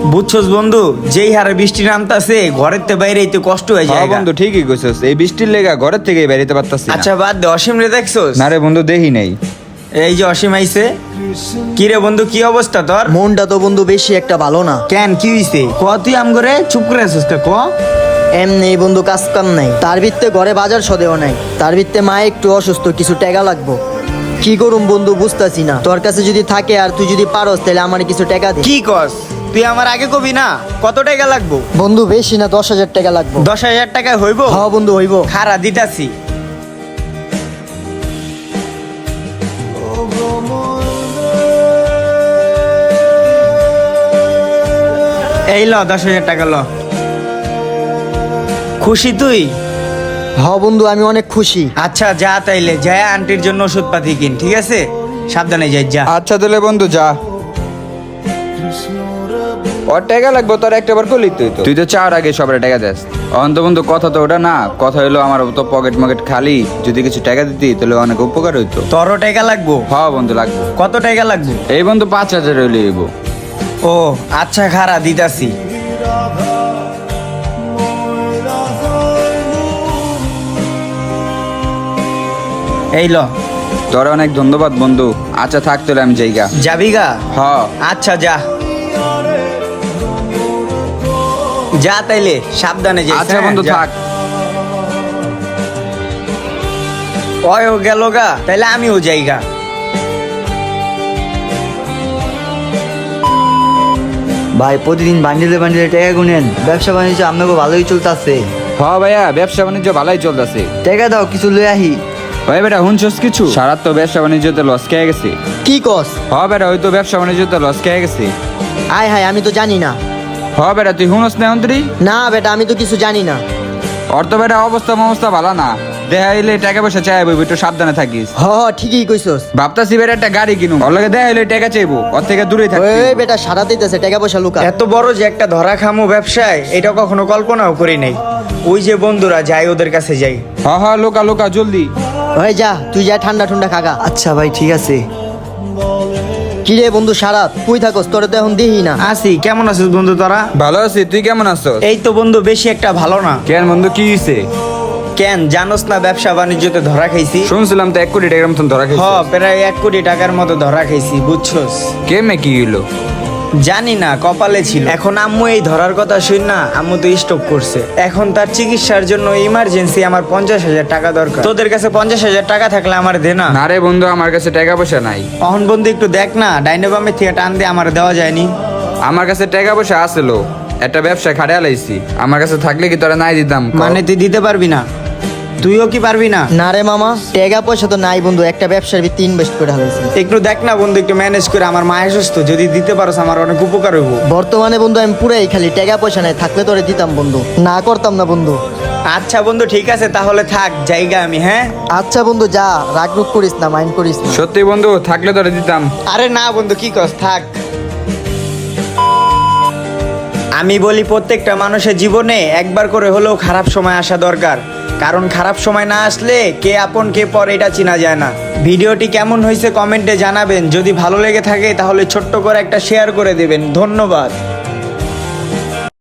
বুঝছস বন্ধু, যেই হারে বৃষ্টি নামতাছে ঘরের তে বাইরে তো কষ্ট হয়ে যায়। বন্ধু ঠিকই কইছস, এই বৃষ্টির লেগা ঘরের থেকে বেরিতে পারতাছি না। আচ্ছা বাদ দে, অসীম রে দেখছস? না রে বন্ধু, দেখি নাই। এই যে অসীম আইছে। কি রে বন্ধু, কি অবস্থা তোর? মনটা তো বন্ধু বেশি একটা ভালো না। কেন, কি হইছে? ক তুই আম করে চুপ করে আছিস কে? ক। এমনি বন্ধু কাজ কাম নাই, তার ভিত্তে ঘরে বাজার সদেও নাই, তার ভিত্তে মা একটু অসুস্থ, কিছু টাকা লাগবো। কি করুম বন্ধু বুঝতাছি না। তোর কাছে যদি থাকে আর তুই যদি পারস তাহলে আমার কিছু টাকা দে। কি কস? তুই আমার আগে কবি না কত টাকা লাগবো? বন্ধু বেশি না, 10,000 টাকা লাগবো। 10,000 টাকায় হইব? হ্যাঁ বন্ধু হইব। খারা দিতাছি। এই ল 10,000 টাকা ল। খুশি তুই? হ্যাঁ বন্ধু আমি অনেক খুশি। আচ্ছা যা, তাইলে যা আন্টির জন্য ওষুধ পাতি কিন, ঠিক আছে? সাবধানে যাই, যা। আচ্ছা তাহলে বন্ধু যা। ওর টাকা লাগবো, তোর একটা বার করলি তুই তো চার আগে সবার টাকা দেস। অন্ত বন্ধু কথা তো ওটা না, কথা হলো আমার তো পকেট মকেট খালি, যদি কিছু টাকা দিতি তাহলে অনেক উপকার হইতো। তোরও টাকা লাগবো? হ্যাঁ বন্ধু লাগবো। কত টাকা লাগবো? এই বন্ধু 5,000 হইলে হইব। ও আচ্ছা, খারা দিতাছি। এই ল। তোর অনেক ধন্যবাদ বন্ধু। আচ্ছা থাক তাহলে আমি যাইগা। যাবি গা? হ্যাঁ। আচ্ছা যা যা, তাইলে সাবধানে যাই। আচ্ছা বন্ধু থাক। ও গেল গা, তাইলে আমিও যাইগা। ভাই প্রতিদিন বান্ডিলে বান্ডিলে টাকা গুনেন, ব্যবসা বাণিজ্য আপনাকে ভালোই চলতেছে। হ্যাঁ ভাইয়া, ব্যবসা বাণিজ্য ভালোই চলতেছে। টাকা দাও কিছু লই আহি। ভাই বেটা হুনছস কিছু? সারা তো ব্যবসা বাণিজ্যতে লস খেয়ে গেছে। কি কস? হ্যাঁ বেটা, ওই তো ব্যবসা বাণিজ্যতে লস খেয়ে গেছে। আয় হায়, আমি তো জানি না। হ্যাঁ বেটা, তুই হুনস না অন্তরি? না বেটা, আমি তো কিছু জানি না। ওর তো বেটা অবস্থা ভালো না, দেখাইলে টাকা পয়সা চাইবো, একটু সাবধানে থাকিস। হ ঠিকই কইছস। ভাবতাছি বেটা একটা গাড়ি কিনুম, ওর লগে দেখাইলে টাকা চাইবো, ওর থেকে দূরে থাকি। ওই বেটা সারা দিতেছে টাকা পয়সা লুকা। এত বড় যে একটা ধরা খামো ব্যবসায়, এটা কখনো কল্পনাও করি নাই। ওই যে বন্ধুরা যাই, ওদের কাছে যাই। হ্যাঁ হ্যাঁ, লোকা লোকা জলদি। ওই যা, তুই যা ঠান্ডা ঠান্ডা খাগা। আচ্ছা ভাই ঠিক আছে। কি রে বন্ধু সারাত, তুই থাকস, তোরে তো এখন দেখি না। আসি, কেমন আছিস বন্ধু তোরা? ভালো আছি, তুই কেমন আছো? এই তো বন্ধু বেশি একটা ভালো না। কেন বন্ধু, কি হইছে? কেন জানোস না, ব্যবসা বাণিজ্যতে ধরা খাইছি। শুনছিলাম তো 1 কোটি টাকার মতন ধরা হ, খাইছিস। প্রায় 1 কোটি টাকার মতো ধরা খাইছি, বুঝছস? কেমনে কি হইলো? জানি না, কপালে ছিল। এখন আম্মু এই ধরার কথা শুন না, আম্মু তো স্টক করছে। এখন তার চিকিৎসার জন্য ইমার্জেন্সি আমার 50,000 টাকা দরকার। তোদের কাছে 50,000 টাকা থাকলে আমার দে না। না রে বন্ধু, আমার কাছে টাকা পয়সা নাই। অহন বন্ধু একটু দেখ না, ডাইনে বামে থেকে টান দিয়ে আমার দেওয়া যায়নি। আমার কাছে টাকা পয়সা আসলো, একটা ব্যবসা খাড়িয়া লাইছি, আমার কাছে থাকলে কি তোরা নাই দিতাম? মানে তুই দিতে পারবি না? তুইও কি পারবি না? না রে মামা, টাকা পয়সা তো নাই বন্ধু, একটা ব্যবসার ভিত্তি ইনভেস্ট করে হালাইছি। একটু দেখ না বন্ধু, একটু ম্যানেজ করে। আমার মা অসুস্থ, যদি দিতে পারোস আমার অনেক উপকার হইব। বর্তমানে বন্ধু আমি পুরাই খালি, টাকা পয়সা নাই, থাকলে তোরে দিতাম বন্ধু, না করতাম না বন্ধু। আচ্ছা বন্ধু ঠিক আছে, তাহলে থাক, জায়গা আমি। হ্যাঁ আচ্ছা বন্ধু যা, রাগ রুগ করিস না, মাইন্ড করিস না। সত্যি বন্ধু, থাকলে তোরা দিতাম। আরে না বন্ধু, কি কস, থাক। আমি বলি প্রত্যেকটা মানুষের জীবনে একবার করে হলেও খারাপ সময় আসা দরকার, কারণ খারাপ সময় না আসলে কে আপন কে পর এটা চেনা যায় না। ভিডিওটি কেমন হয়েছে কমেন্টে জানাবেন। যদি ভালো লেগে থাকে তাহলে ছোট্ট করে একটা শেয়ার করে দেবেন। ধন্যবাদ।